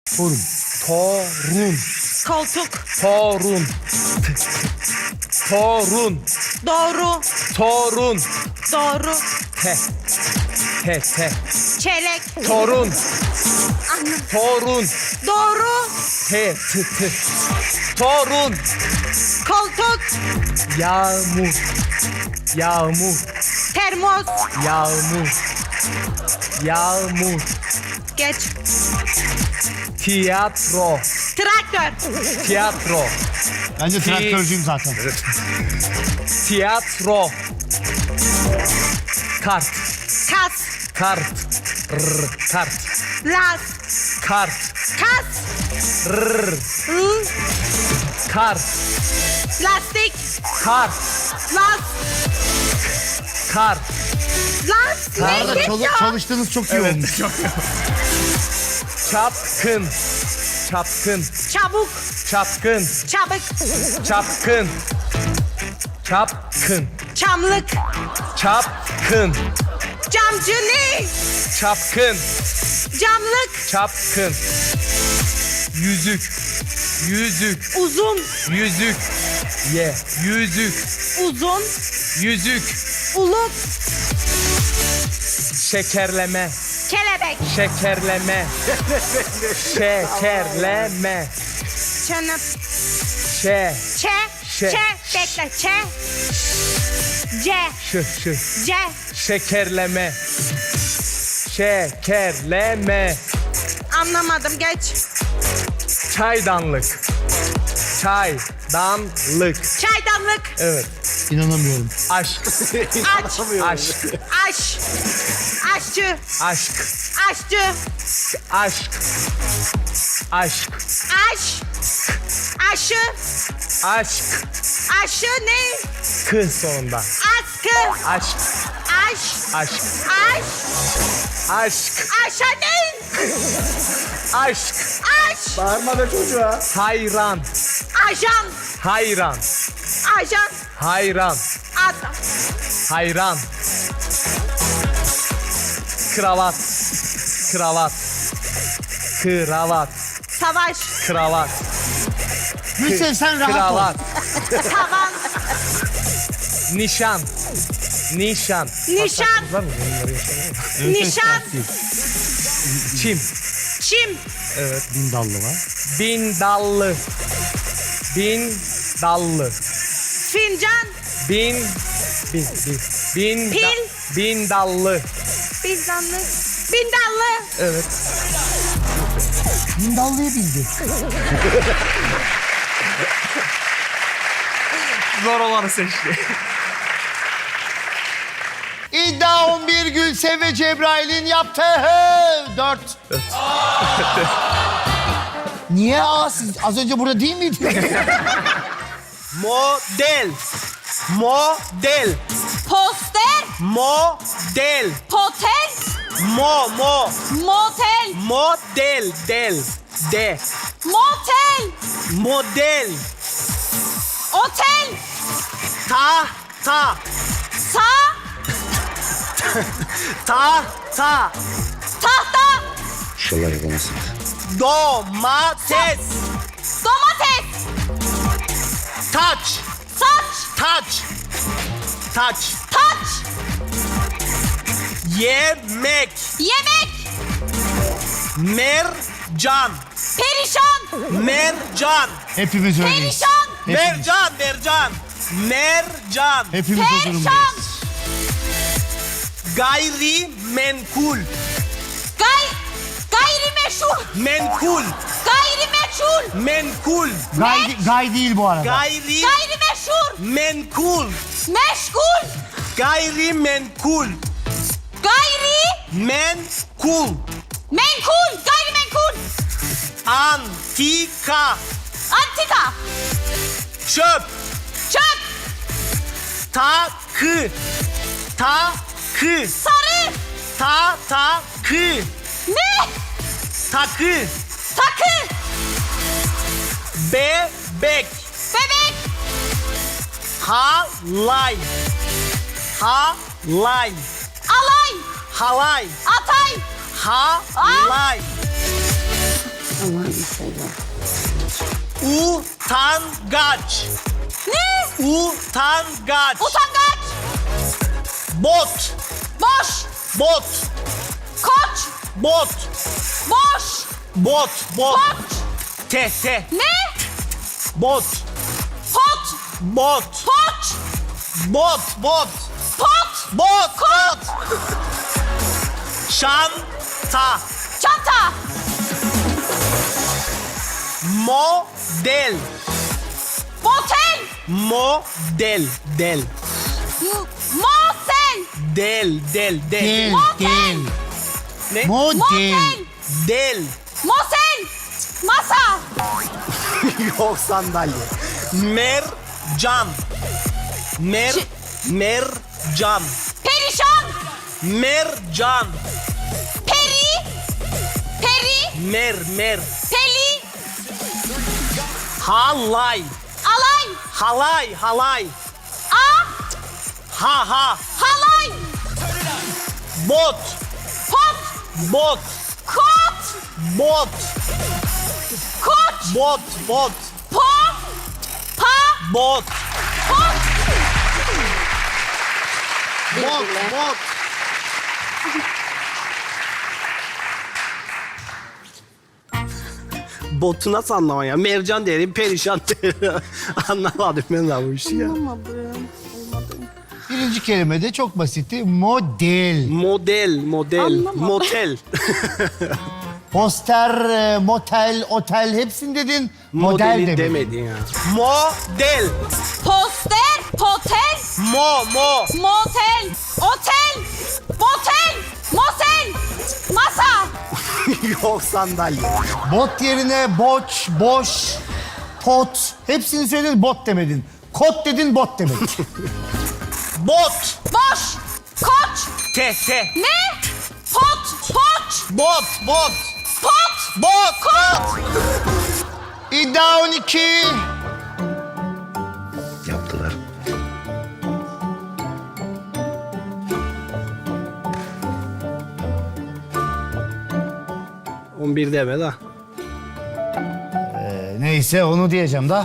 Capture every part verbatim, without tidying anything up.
Torun. Torun. Koltuk. Torun. Torun. Doğru. Torun. Doğru. Te. Te te. Çeyrek. Torun. Anladım. Torun. Doğru. Te tı tı. Torun. Koltuk. Yağmur. Yağmur. Termos. Yağmur. Yağmur. Geç. Tiyatro. Traktör. Tiyatro. Bence Ti- traktörcüyüm zaten. Tiyatro. Kart. Kas. Kart. Rr, kart. Las. Kart. Kas. Rr, L. kart. Lastik. Kart. Las. Kart. Las. Bu arada Ne çalı- ya? çalıştığınız çok iyi Evet. olmuş. Çapkın. Çapkın. Çabuk. Çapkın. Çabuk. Çapkın. Çapkın. Çamlık. Çapkın. Camcı ne? Çapkın. Camlık. Çapkın. Yüzük. Yüzük. Uzun. Yüzük. Ye. Yüzük. Uzun. Yüzük. Uluk. Şekerleme. Kelebek. Şekerleme. Şekerleme. Çanıp. Şe. Çe. Şe. Çe. Bekle. Çe. C. Şı şı. C. Şekerleme. Şekerleme. Anlamadım. Geç. Çaydanlık. Çaydanlık. Çaydanlık. Evet. İnanamıyorum. Aşk. Aç. Aşk. Aş. Aşçı. Aşk. Aşçı. Aşk. Aşk. Aş. Aşı. Aşk. Aşı ne? Kı sonunda. Askı. Aşk. Aş. Aşk. Aş. Aşk. Aşa ne? Aşk. Aş. Bağırma be çocuğa. Hayran. Ajan. Hayran. Ajan. Hayran. Adam. Hayran. Kravat. Kravat. Kravat. Savaş. Kravat. Gülsev sen rahat ol. Kravat. Tavan. Nişan. Nişan. Nişan. Var mı? Bunları yaşamıyor. Nişan. Çim. Çim. Evet. Bin dallı var. Bin dallı. Bin dallı. Fincan. Bin. Bin. Bin. Bin. Pil. Da, bin dallı. Bindanlı. Bindallı. Evet. Bin dallıyı bildi. Zor olanı seçti. İddia on bir Gülsev ve Cebrail'in yaptığı dört. Niye aa siz az önce burada değil miydiniz? Model. Model. Poster. Model. Potel. Mo mo. Motel. Model del. De. Motel. Model. Otel. Ta ta. Sa. Ta ta. Tahta. İnşallah yapamazsın. Domates. Domates. Taç. Saç. Taç. Taç. Taç. Yemek. Yemek. Mercan. Perişan. Mercan. Hepimiz öyleyiz. Perişan. Hepimiz, Mercan. Mercan. Mercan. hepimiz o durumdayız. Perişan. Gayrimenkul. Gay. Gayrimeşhur. Menkul. Gayrimeçhul. Menkul. Gay, gay değil bu arada. Gayri. Gayrimeşhur. Menkul. Meşgul. Gayrimenkul. Gayri. Menkul. Menkul. Gayrimenkul. Antika. Antika. Çöp. Çöp. Takı. Takı. Sarı. Ta takı. Ne? Takı. Takı. Bebek. Bebek. Halay. Halay. Alay. Halay. Atay. Halay. Utangaç. Ne? Utangaç. Utangaç. Bot. Boş. Bot. Koç. Bot. Boş. Bot. Bot. Koç. Te te. Ne? Bot. Pot. Bot. Poç. Bot. Bot. Pot. Bot. Bot. Şanta. Çanta. Model. Motel. Model. Del. M- Motel. Del. Del. Del. Del, Motel. del. Ne? Model. Motel. Del. Mosel. Masa. Yok sandalye. Mercan. Mer. Ş- Mercan. Perişan. Mercan. Peri. Peri. Mer. Mer. Peli. Halay. Alay. Halay. Halay. A. Ha ha. Halay. Bot. Pot. Bot. Kot. Bot. Koç. Bot. Bot. Po. Pa. Bot. Pot. Bot. Bot. Botu nasıl anlaman ya? Mercan derim, perişan derim. Anlamadım ben de bu işi ya. Birinci kelime de çok basitti. Model. Model, model, Anlamadım. motel. Poster, e, motel, otel hepsini dedin. Model Modeli demedin. demedin ya. Model. Poster. Potel. Mo, mo. Motel. Otel. Motel. Mosel. Masa. Yok sandalye. Bot yerine boç, boş, pot. Hepsini söyledin, bot demedin. Kot dedin, bot demedin. Bot. Boş. Koç. Te, te. Ne? Pot. Poç. Bot, bot. Pot. Bot, bot. İddia on iki. Yaptılar. On bir deme da. Ee, neyse onu diyeceğim da.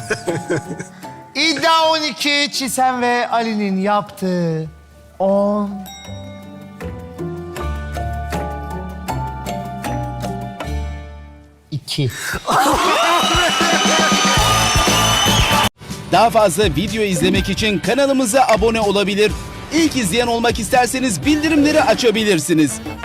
İddia on iki. Çisen ve Ali'nin yaptığı on. iki. Daha fazla video izlemek için kanalımıza abone olabilir. İlk izleyen olmak isterseniz bildirimleri açabilirsiniz.